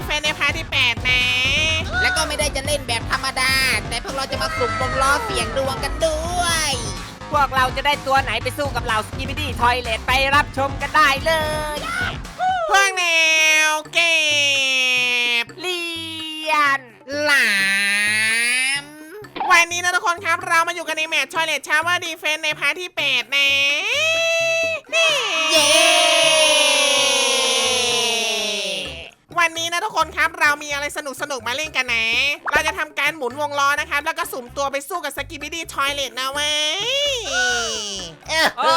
เฟนในพาร์ทที่8นะแล้วก็ไม่ได้จะเล่นแบบธรรมดาแต่พวกเราจะมาสุ่มวงล้อเสียงดวงกันด้วยพวกเราจะได้ตัวไหนไปสู้กับเหล่าสกิบิดี้ทอยเลทไปรับชมกันได้เลยพวกแนวเก็บเลียนหลามวันนี้นะทุกคนครับเรามาอยู่กันในแมตช์ทอยเลทชาวเวอร์ดีเฟนในพาร์ทที่8นะนี่เย้วันนี้นะทุกคนครับเรามีอะไรสนุกมาเล่นกันนะ เราจะทำการหมุนวงล้อนะครับแล้วก็สุ่มตัวไปสู้กับสกิบิดี้ทอยเลทนะเว้ยโอ้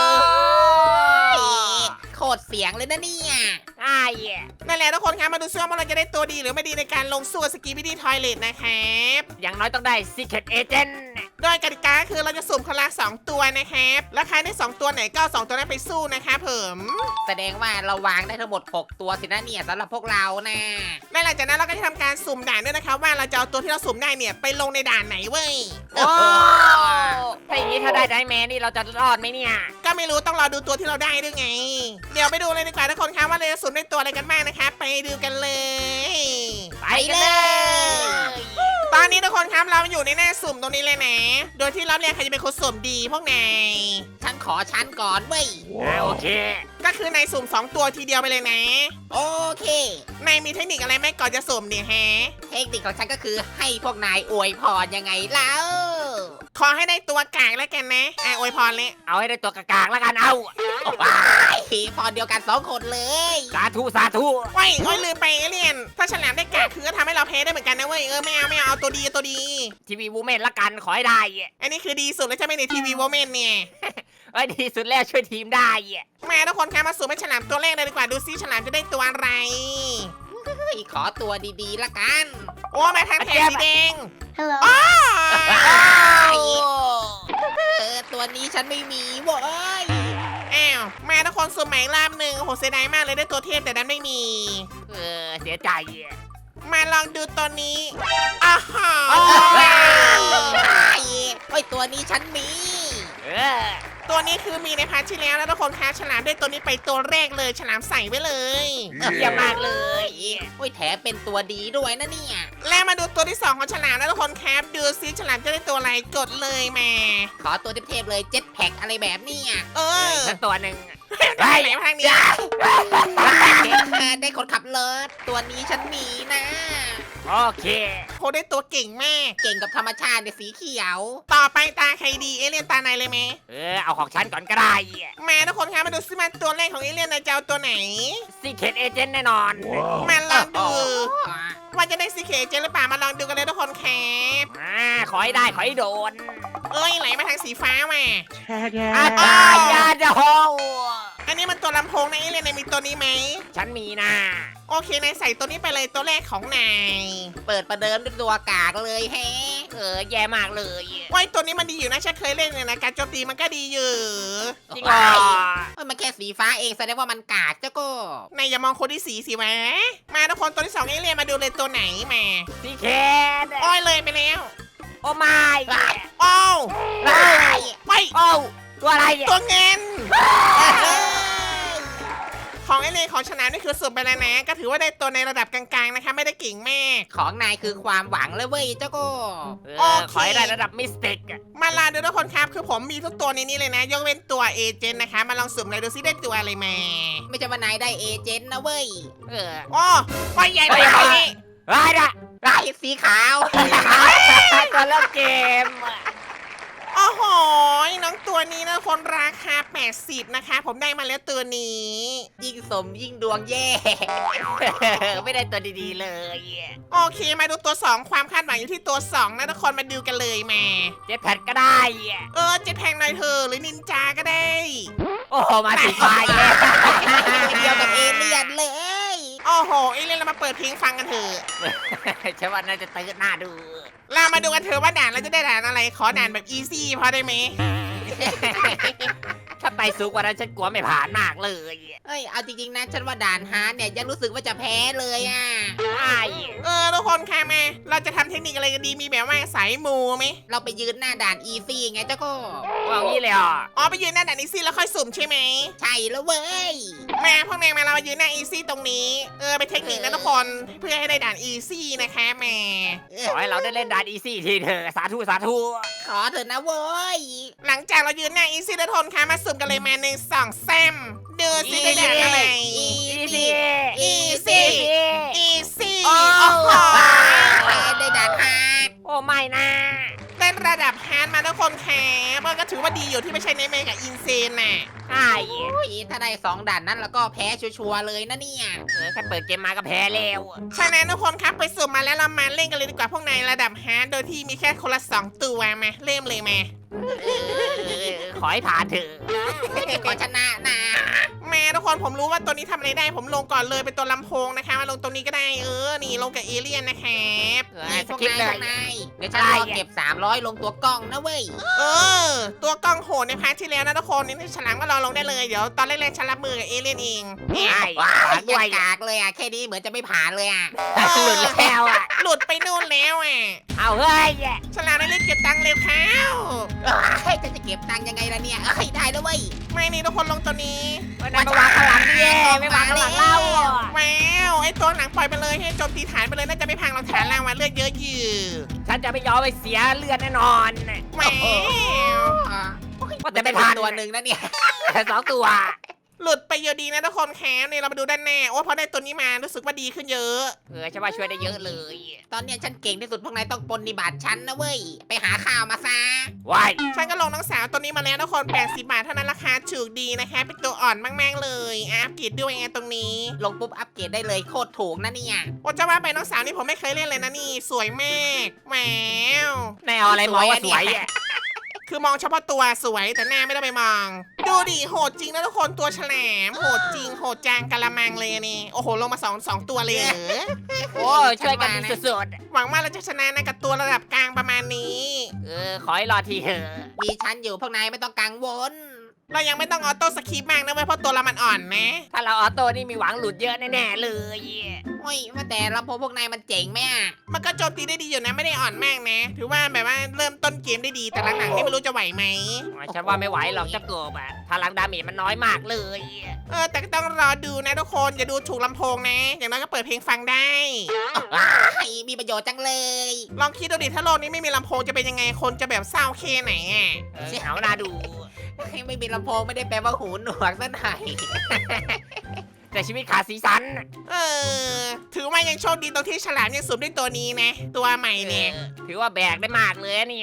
โคตรเสียงเลยนะเนี่ยไอ้นั่นแหละทุกคนครับมาดูซิว่าเราจะได้ตัวดีหรือไม่ดีในการลงสู้กับสกิบิดี้ทอยเลทนะครับอย่างน้อยต้องได้ Secret Agent โดยกติกาคือเราจะสุ่มคนละ2ตัวนะครับแล้วใครได้2ตัวไหนก็เอา2ตัวนั้นไปสู้นะครับผมแสดงว่าเราวางได้ทั้งหมด6ตัวสินะเนี่ยสำหรับพวกเรานะและหลังจากนั้นเราก็จะทำการสุ่มด่านด้วยนะครับว่าเราจะเอาตัวที่เราสุ่มได้เนี่ยไปลงในด่านไหนเว้ยโอ้ถ้าอย่างนี้ถ้าได้ไดแมนนี่เราจะรอดไหมเนี่ยก็ไม่รู้ต้องรอดูตัวที่เราได้ด้วยไง เดี๋ยวไปดูเลยดีกว่าทุกคนครับว่าเราจะสุ่มได้ตัวอะไรกันบ้างนะครับไปดูกันเลยไปกันเลยตอนนี้ทุกคนครับเราอยู่ในหน้าสุ่มตรงนี้เลยนะ โดยที่รอบแรกใครจะเป็นคนสุ่มดีพวกนายฉันขอชั้นก่อนเว้ยโอเคก็คือนายสุ่ม2ตัวทีเดียวไปเลยนะโอเคนายมีเทคนิคอะไรไหมก่อนจะสุ่มเนี่ยฮะเทคนิคของฉันก็คือให้พวกนายอวยพรยังไงแล้วขอให้ได้ตัวกากแล้วกันนะอวยพรเลยเอาให้ได้ตัวกากๆแล้วกันเอาว้ายพรเดียวกัน2คนเลยสาธุสาธุว้ายโอ้ยลืมไปเอเลี่ยน ถ้าฉลามได้กากคือก็ทำให้เราแพ้ได้เหมือนกันนะเว้ยไม่เอาตัวดีตัวดีทีวีวูแมนละกันขอให้ได้อันนี้คือดีสุดแล้วใช่ไหมในทีวีโวเมนเนี่ยเอ้ยดีสุดแล้วช่วยทีมได้มาทุกคนคะมาสุ่มให้ฉลามตัวแรกเลยดีกว่าดูซิฉลามจะได้ตัวอะไรเฮ้ยขอตัวดีๆละกันโอ้มาทางแถบสีแดง Hello. อ้าวตัวนี้ฉันไม่มีเว้ยอ้าวมาทุกคนสุ่มใหม่อีกรอบหนึ่งโอ้โหเสียดายมากเลยได้ตัวเทพแต่นั้นไม่มีเสียใจมาลองดูตัวนี้อ้าวโอ้ยตัวนี้ฉันมีเออตัวนี้คือมีในพาร์ทที่แล้วนะทุกคนคะฉลามได้ตัวนี้ไปตัวแรกเลยฉลามใส่ไว้เลยเยี่ยมมากเลยโอ้ยแถมเป็นตัวดีด้วยนะเนี่ยแล้วมาดูตัวที่2ของฉลามนะทุกคนครับดูซิฉลามจะได้ตัวอะไรกดเลยมาขอตัวเทพๆเลยเจ็ตแพ็กอะไรแบบเนี้ยเออสักตัวหนึ่งได้ไหนมาทางนี้ได้คนขับรถตัวนี้ฉันมีนะโอเคโคได้ตัวเก่งมากเก่งกับธรรมชาติในสีเขียวต่อไปตาใครดีเอเลี่ยนตาไหนเลยไหมเอาของฉันก่อนก็ได้มาทุกคนครับมาดูซิมาตัวแรกของเอเลี่ยนนายจะเอาตัวไหน Secret Agent แน่นอนมาลองดู ว่าจะได้ซีเคเจหรือเปล่ามาลองดูกันเลยทุกคนครับขอให้ได้ขอให้โดนเอ้ยไหลมาทางสีฟ้ามาอาจารย์ยาจะโฮอันนี้มันตัวลำโพงนะเอเลี่ยนนายมีตัวนี้ไหมฉันมีนะโอเคนายใส่ตัวนี้ไปเลยตัวแรกของนายเปิดประเดิมด้วยตัวกากเลยแฮะแย่มากเลยว้ยตัวนี้มันดีอยู่นะฉันเคยเล่นเลยนะการโจมตีมันก็ดีอยู่จริงเหรอเอ้ยมันแค่สีฟ้าเองแสดงว่ามันกากเจ้าก็นายอย่ามองคนที่สีสิวะมาทุกคนตัวที่2เอเลี่ยนมาดูเลยตัวไหนมา Secret อ้อยเลยไปแล้วโอ้ไม่อ้าวว้ายไปโอ้ตัวอะไรตัวเงินของไอเลนของชนะนี่คือสุดไปแล้วนะ ก็ถือว่าได้ตัวในระดับกลางๆนะคะไม่ได้เก่งแม่ของนายคือความหวังเลยเว้ยเจ้าก็ขอให้ได้ระดับมิสติกมาลาดูทุกคนครับคือผมมีทุกตัวในนี้เลยนะ ยกเว้นตัวเอเจนต์นะคะมาลองสุ่มเลยดูซิได้ตัวอะไรมาไม่ใช่ว่านายได้เอเจนต์นะเว้ยโอ้ไปใหญ่ไปใหญ่นี่ไรนะลายสีขาวตัวเริ่มเกมโอ้โหน้องตัวนี้นะคนราคา80นะคะผมได้มาแล้วตัวนี้ยิ่งสมยิ่งดวงแย่ไม่ได้ตัวดีๆเลยโอเคมาดูตัว 2 ความคาดหวังอยู่ที่ตัว2นะทุกคนมาดูกันเลยมาเจ็ตแพดก็ได้เจ็ตแพงหน่อยเธอะหรือนินจาก็ได้โอ้โหมาสีฟ้าแย่เดียวกับเอเลี่ยนเลยโอ้โหเอเลี่ยนเรามาเปิดเพลงฟังกันเถอะฉันว่าน่าจะตื่นหน้าดูเรามาดูกันเถอะว่าด่านเราจะได้ด่านอะไร ขอด่านแบบอีซี่พอได้ไหมถ้าไปสูงกว่านั้นฉันกลัวไม่ผ่านมากเลยเอ้ยเอาจริงๆนะฉันว่าด่านฮาร์ดเนี่ยยังรู้สึกว่าจะแพ้เลยอ่ะไอ้ทุกคนค่ะมาเราจะทำเทคนิคอะไรกันดีมีแบบว่าสายมูไหมเราไปยืนหน้าด่านอีซี่ไงเจ้าก็ว่างี้เลยอ่ะอ๋อไปยืนหน้าด่านอีซี่แล้วค่อยสุ่มใช่ไหมใช่แล้วเว้ยมาพวกนายมาเรามายืนหน้าอีซี่ตรงนี้เป็นเทคนิคนะทุกคนเพื่อให้ได้ด่านอีซี่นะคะแหม่ขอให้เราได้เล่นดานอีซี่ทีเถอะสาธุสาธุขอเถอะนะเว้ยหลังจากเรายืนหน้าอีซี่ทุกคนคะมาสุ่มกันเลยมา1 2 3ดูสิได้ด่านอะไรอีซี่อีซี่อีซี่โอ้โอ้โหได้ด่านฮาร์ดโอ้ไม่นะได้ระดับฮาร์ดมาทุกคนค่ะมันก็ถือว่าดีอยู่ที่ไม่ใช่ในเมกับอินเซนน่ะใช่โอ้ยถ้าได้2 ด่านนั้นแล้วก็แพ้ชัวร์ๆเลยนะเนี่ยแค่เปิดเกมมาก็แพ้แล้วฉะนั้นทุกคนครับไปสุ่มมาแล้วเรามาเล่นกันเลยดีกว่าพวกนายระดับฮาร์ดโดยที่มีแค่คนละ2 ตัวมาเริ่มเลยมาขอให้ผ่านเถอะขอชนะนะมาทุกคนผมรู้ว่าตัวนี้ทำอะไรได้ผมลงก่อนเลยเป็นตัวลำโพงนะคะมาลงตรงนี้ก็ได้นี่ลงกับเอเลี่ยนนะครับนี่สพวกกิปนายเลพวย กนายเดี๋ยวฉันรอเก็บ300ลงตัวกล้องนะเว้ยตัวกล้องโหดในพาร์ทที่แล้วนะทุกคนนี่ฉลามก็รอลงได้เลยเดี๋ยวตอนแรกๆฉันรับมือกับเอเลี่ยนเองใช่ว้าผ่าย นยัด้งวยกากเลยอ่ะแค่นี้เหมือนจะไม่ผ่านเลยอ่ะหลุดแล้วอ่ะหลุดไปนู่นแล้วอ่ะเอาเฮ้ยฉลามได้เล่นเก็บตังค์เร็วเข้าเฮ้ยฉันจะเก็บตังค์ยังไงล่ะเนี่ยเฮ้ยได้แล้วเว้ยไม่นี่ทุกคนลงตัวนี้วันนั้นมาวางข้างหลังดิไม่วางข้างหลังเล่าว้าวไอ้ตัวหนังปล่อยไปเลยให้โจมตีฐานไปเลยน่าจะไม่พังเราฐานล่างมาเลือดเยอะอยู่ฉันจะไม่ยอมไปเสียเลือดแน่นอนว้าวว่าแต่แต่ไม่ไม่ผ่าผ่าน นตัวหนึ่งนะเนี่ย 2 ตัวหลุดไปเยอะดีนะทุกคนแคมนี่เรามาดูด้านหน้าโอ้พอได้ตัวนี้มารู้สึกว่าดีขึ้นเยอะฉันว่าช่วยได้เยอะเลยตอนเนี้ยฉันเก่งที่สุดพวกนายต้องปฏิบัติฉันนะเว้ยไปหาข้าวมาซะว้ายฉันก็ลงน้องสาวตัวนี้มาแล้วทุกคน80 บาทเท่านั้นราคาถูกดีนะคะเป็นตัวอ่อนมากๆเลยอัพเกรดด้วยไงตรงนี้ลงปุ๊บอัปเกรดได้เลยโคตรถูกนะเนี่ยโอ้จะว่าไปน้องสาวนี่ผมไม่เคยเล่นเลยนะนี่สวยมากแหมวนายเอาอะไรมองว่าสวยอ่ะคือมองเฉพาะตัวสวยแต่หน้าไม่ได้ไปมอง ดูดิโหดจริงนะทุกคนตัวฉลามโหดจริงโหดจางกะละมังเลยนี่โอ้โหลงมาสองตัวเลยเหรอโอ้ช่วยกันดีสุดหวังว่าเราจะชนะนะกับตัวระดับกลางประมาณนี้ๆขอให้รอทีเถอะมีฉันอยู่พวกนายไม่ต้องกังวลเรายังไม่ต้องออโต้สคริปต์มากนะเว้ยเพราะตัวเรามันอ่อนนะถ้าเราออโต้นี่มีหวังหลุดเยอะแน่ๆเลยโอ้ยว่าแต่ลำโพงพวกนายมันเจ๋งไหมอ่ะมันก็โจมตีได้ดีอยู่นะไม่ได้อ่อนมากนะ ถือว่าแบบว่าเริ่มต้นเกมได้ดีแต่หลังๆนี่ไม่รู้จะไหวไหมฉันว่าไม่ไหวหรอกเจ้ากบอ่ะพลังดาเมจมันน้อยมากเลยแต่ก็ต้องรอดูนะทุกคนอย่าดูถูกลำโพงนะ อย่างน้อยก็เปิดเพลงฟังได้ไอ้มีประโยชน์จังเลยลองคิดดูดิถ้าโลกนี้ไม่มีลำโพงจะเป็นยังไงคนจะแบบเศร้าแค่ไหนอ่ะเอาหน้าดูไม่มีลำโพงไม่ได้แปลว่าหูหนวกซะหน่อยแต่ชีวิตขาดสีสันถือว่ายังโชคดีตรงที่ฉลามยังสุ่มด้วยตัวนี้นะ ตัวใหม่เนี่ยถือว่าแบกได้มากเลยเนี่ย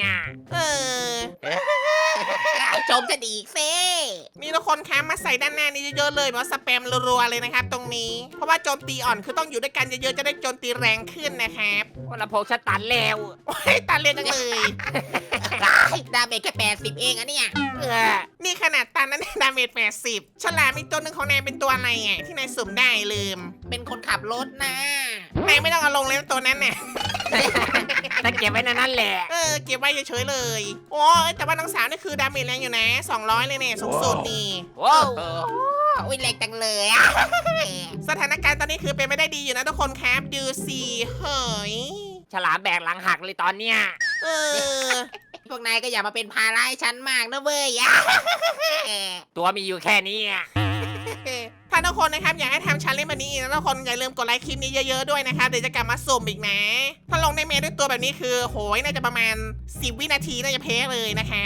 ชมจะดีกเซ่นี่ทุกคนคะมาใส่ด้านหน้านี้เยอะๆเลยแบบว่าสแปมรัวๆเลยนะครับตรงนี้ เพราะว่าโจมตีอ่อนคือต้องอยู่ด้วยกันเยอะๆจะได้โจมตีแรงขึ้นนะครับว่าลำโพงฉันตันแล้วโอ้ยตาเรียนจังเลยดาเมจแค่80เองอะเนี่ยนี่ขนาดตันนั้นดาเมจ80ฉลามอีกตัวหนึ่งของนายเป็นตัวอะไรอ่ะที่นายสุ่มได้ลืมเป็นคนขับรถนะนายไม่ต้องเอาลงเลยตัวนั้นน่ะถ้าเก็บไว้ในนั้นแหละเก็บไว้เฉยๆเลยโอ้ยแต่ว่าน้องสาวนี่คือดาเมจแรงอยู่นะ200เลยเนี่ยสูงสุดนี่ว้าวโอ้ยแรงจังเลยอะสถานการณ์ตอนนี้คือเป็นไม่ได้ดีอยู่นะทุกคนครับดูสิเฮ้ยฉลามแบกหลังหักเลยตอนเนี้ยเออพวกนายก็อย่ามาเป็นภาระให้ฉันมากนะเว้ยอะตัวมีอยู่แค่นี้ถ้าทุกคนนะครับอยากให้ทำชันเล่นแบบนี้อีกนะทุกคนอย่าลืมกดไลค์คลิปนี้เยอะๆด้วยนะครับเดี๋ยวจะกลับมาสุ่มอีกนะ ถ้าลงในเมย์ด้วยตัวแบบนี้คือโหยน่าจะประมาณ10 วินาทีน่าจะเพ้เลยนะครับ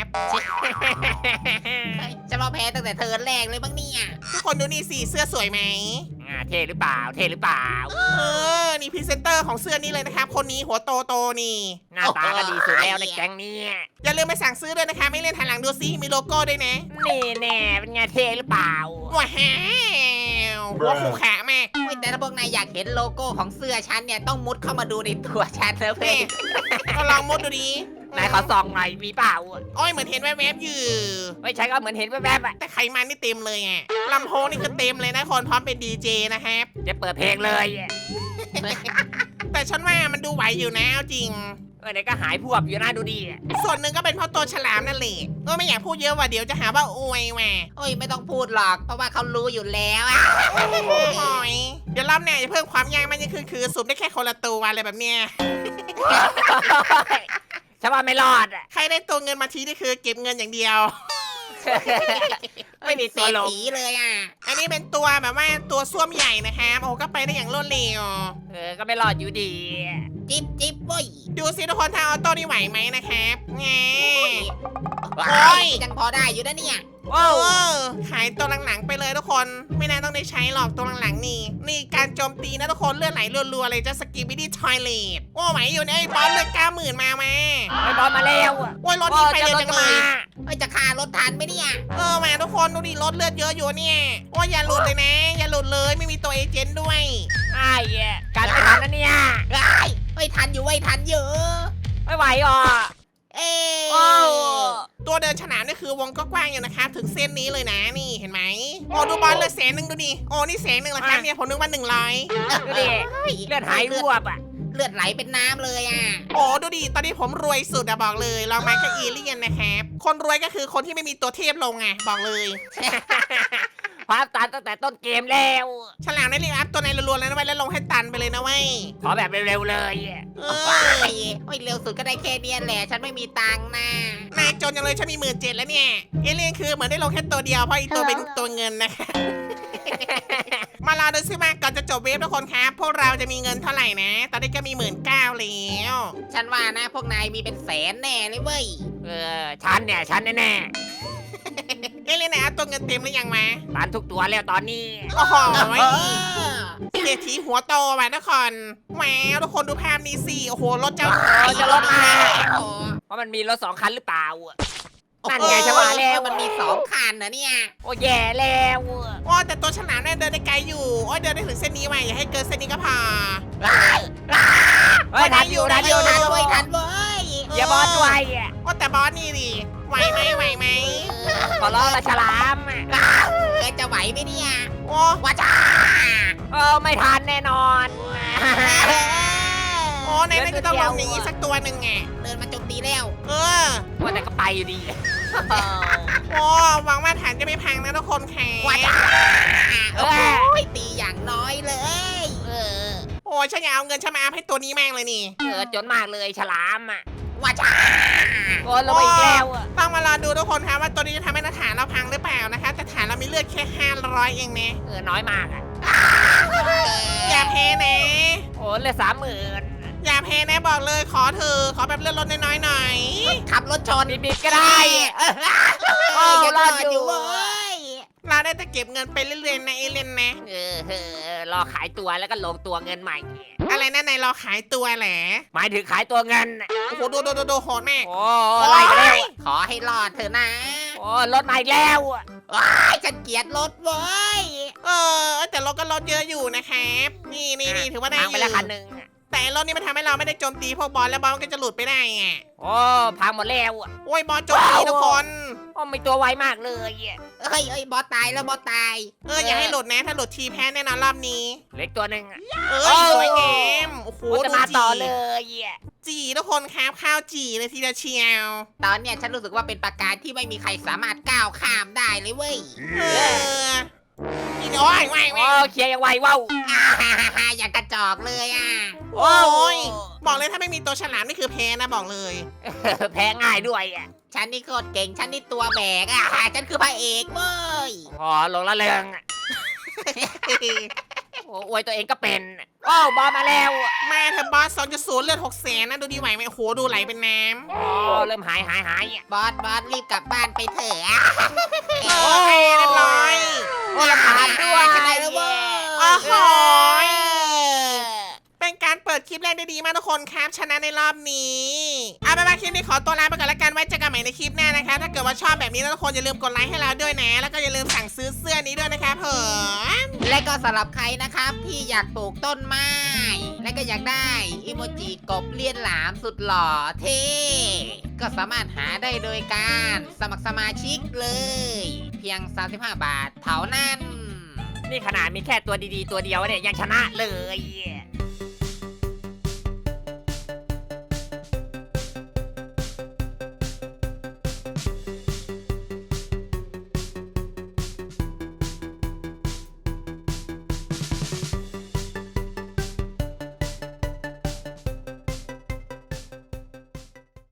ฉันว่าแพ้ตั้งแต่เทิร์นแรกเลยบ้างเนี่ยทุกคนดูนี่สิเสื้อสวยไหมเท่หรือเปล่า เท่หรือเปล่านี่พรีเซนเตอร์ของเสื้อนี้เลยนะครับคนนี้หัวโตโตๆนี่หน้าตาก็ดีสุดแล้วในแก๊งนี้อย่าลืมไปสั่งซื้อด้วยนะคะไม่เล่นหันหลังดูซิมีโลโก้ด้วยนะนี่แน่เป็นไงเท่หรือเปล่าว้าวหัวขู่ขามากโอ้ยแต่ถ้าพวกนายอยากเห็นโลโก้ของเสื้อฉันเนี่ยต้องมุดเข้ามาดูในตัวฉันนะเว้นี่ยก็ลองมุดดูดินายขอส่องหน่อยมีเปล่าโอ้ยเหมือนเห็นแวบๆอยู่ไม่ใช่ก็เหมือนเห็นแวบๆอ่ะแต่ไขมันนี่เต็มเลยอ่ะลำโพงนี่คือเต็มเลยนะคนพร้อมเป็นดีเจนะครับจะเปิดเพลงเลยแต่ฉันว่ามันดูไหวอยู่นะเอาจริงเดี๋ยวก็หายพวบอยู่นะดูดีส่วนหนึ่งก็เป็นเพราะตัวฉลามนั่นแหละไม่อยากพูดเยอะว่าเดี๋ยวจะหาว่าอวยแหวโอ้ยไม่ต้องพูดหรอก เพราะว่าเขารู้อยู่แล้วอะโอ้ยเดี๋ยวรอบหน้าจะเพิ่มความยากมากยิ่งขึ้นคือสุ่มได้แค่คนละตัวอะไรแบบเนี้ยฉันว่าไม่รอดอะใครได้ตัวเงินมาทีนี่คือเก็บเงินอย่างเดียวไม่มีเศรตัวษลงฐีเลยอ่ะอันนี้เป็นตัวแบบว่าตัวส้วมใหญ่นะครับโอ้โหก็ไปได้อย่างรวดเร็วก็ไม่รอดอยู่ดีจิ๊บจิ๊บเว้ยดูสิทุกคนถ้าออโต้นี่ไหวไหมนะครับแงโอ้โอ้ยยยังพอได้อยู่นะเนี่ยโอ้เออขายตัวหลังๆไปเลยทุกคน ไม่น่าต้องได้ใช้หรอกตัวหลังๆนี่ นี่การโจมตีนะทุกคนเลือดไหลรัวๆเลยจะสกิบิดี้ทอยเลทโอ้ไหวอยู่เนี่ยไอ้บอสเลือด90,000มาไหมไม่บอลมาแล้วอะโอ้ยรถนี่ไปเร็วจังเลยเฮ้ยจะฆ่ารถทันไหมเนี่ยมาทุกคนดูดิรถเลือดเยอะอยู่เนี่ยโอ้ยอย่าหลุดเลยนะ อย่าหลุดเลยไม่มีตัวเอเจนต์ด้วยไอ้การไม่ทันนะเนี่ยเฮ้ยทันอยู่เว้ยทันอยู่ไม่ไหวอ่ะเอ้โอ้ตัวเดินฉนามนี่คือวงก็กว้างอยู่นะครับถึงเส้นนี้เลยนะนี่เห็นไหมโอ้ดูบอลเลย100,000ดูดิโอ้นี่100,000เหรอครับเนี่ยผมนึกว่า100 ดูดิเลือดหายรวบอ่ะเลือดไหลเป็นน้ำเลยอ่ะโอ้ดูดิตอนนี้ผมรวยสุดอะบอกเลยลองมากับเอเลี่ยนนะครับคนรวยก็คือคนที่ไม่มีตัวเทพลงไงบอกเลยพาตันตั้งแต่ต้นเกมแล้วฉลามได้เรียกอัพตัวในรัวๆแล้วนะไว้แล้วลงให้ตันไปเลยนะเว้ยขอแบบเร็วๆเลยเอโอ้อยเร็วสุดก็ได้แค่เนี้ยแหละ ฉันไม่มีตังค์นะนายจนยังเลยฉันมี17,000แล้วเนี่ยเอเลี่ยนคือเหมือนได้ลงแค่ตัวเดียวเพราะอีกตัวเป็นตัวเงินนะคะ มารอดูซิว่าก่อนจะจบเวฟทุกคนครับพวกเราจะมีเงินเท่าไหร่นะ ตอนนี้ก็มี19,000แล้วฉันว่านะพวกนายมีเป็นแสนแน่เลยเว้ยฉันแน่เอเลี่ยนไหนอัพตัวเงินเต็มหรือยังมาๆตันทุกตัวแล้วตอนนี้โอ้โหเออเศรษฐีหัวโตว่ะทุกคนแหมทุกคนดูภาพนี้สิโอ้โหรถเจ้าจะรถมาโอ้เพราะมันมีรถ2 คันหรือเปล่านั่นไงจะว่าแล้วมันมี2คันนะเนี่ยโอ้แย่แล้วโอ้แต่ตัวฉลามเนี่ยเดินได้ไกลอยู่โอ้ยเดินได้ถึงเส้นนี้ไว้อย่าให้เกินเส้นนี้ก็พอเฮ้ยทันอยู่ทันเว้ยทันเว้ยอย่าบอลด้วยโอ้แต่บอสนี่ดิไหวไหมขอร้องละฉลามจะไหวไหมเนี่ยโอ้ว้าจ้าไม่ทันแน่นอนโอ้ในนั้นก็ต้องลงอย่างนี้สักตัวหนึ่งไงเดินมาโจมตีแล้วเออว่าแต่ก็ไปอยู่ดีโอ้หวังว่าฐานจะไม่พังนะทุกคนแข่ว้าจ้าโอ้ยตีอย่างน้อยเลยโอ้ฉันอยากเอาเงินฉันมาอัพให้ตัวนี้แม่งเลยนี่จนมากเลยฉลามอ่ะว้าจ้าโอ้ลงไปอีกแล้วต้องมารอดูทุกคนครับว่าตัวนี้จะทำให้ฐานเราพังหรือเปล่านะคะแต่ฐานเรามีเลือดแค่500เองนะน้อยมากอ่ะอย่าแพ้นะโอ้เหลือ30,000 อย่าแพ้นะบอกเลยขอเธอขอแบบเลือดลดน้อยๆหน่อยขับรถชนบิดๆก็ได้โอ้ยังรอดอยู่เว้ยเราได้แต่เก็บเงินไปเรื่อยๆนะเอเลนนะรอขายตัวแล้วก็ลงตัวเงินใหม่อะไรนะนายรอขายตัวแหละหมายถึงขายตัวเงินโอ้โหดูโหดแม่โอ้ไล่กันแล้วขอให้รอดเถอะนะโอ้รถมาอีกแล้วว้ายฉันเกลียดรถเว้ยแต่รถก็ลดเยอะอยู่นะครับนี่ถือว่าได้พังอไปยู่แล้วคันหนึ่งแต่รถนี่มันทำให้เราไม่ได้โจมตีพวกบอลแล้วบอลมันก็จะหลุดไปได้ไงโอ้พังหมดแล้วโอ้ยบอลโจมตีทุกคนโอ้มีตัวไวมากเลยเฮ้ยบอสตายแล้วบอสตายอย่าให้หลุดนะถ้าหลุดทีแพ้แน่นอนรอบนี้เล็กตัวหนึ่งสวยงามโอ้โหจะมาต่อเลยจีทุกคนครับข้าวจีเลยทีเดียวเชียวตอนเนี้ยฉันรู้สึกว่าเป็นประการที่ไม่มีใครสามารถก้าวข้ามได้เลยเว้ยนี่โอ้ยโอ้เคลียร์ยังไวว้าวอย่างกระจอกเลยอ่ะโอ้ยบอกเลยถ้าไม่มีตัวฉลามนี่คือแพ้นะบอกเลยแพ้ง่ายด้วยฉันนี่โคตรเก่งฉันนี่ตัวแบกอ่ะฉันคือพระเอกเว้ยอ๋อลงละเริงโอ้อวยตัวเองก็เป็นโอ้บอลมาแล้วมาเธอบอส2.0เลือด600,000นะดูดีไหวไหมโอ้โหดูไหลเป็นน้ำโอ้เริ่มหายบอสรีบกลับบ้านไปเถอะโอ้ยเรียบร้อยโอ้ลำบากด้วยฉันได้แล้วเว้ยโอ้โหเป็นการเปิดคลิปแรกได้ดีมากทุกคนครับชนะในรอบนี้เอาไปคลิปนี้ขอตัวลาไปก่อนละกันไว้เจอกันใหม่ในคลิปหน้านะคะถ้าเกิดว่าชอบแบบนี้นะทุกคนอย่าลืมกดไลค์ให้เราด้วยนะแล้วก็อย่าลืมสั่งซื้อเสื้อนี้ด้วยนะครับผมและก็สำหรับใครนะครับที่อยากปลูกต้นไม้ และก็อยากได้อิโมจิกบเลียนหลามสุดหล่อเท่ก็สามารถหาได้โดยการสมัครสมาชิกเลย เพียง 35 บาทเท่านั้นนี่ขนาดมีแค่ตัวดีๆตัวเดียวเนี่ยยังชนะเลย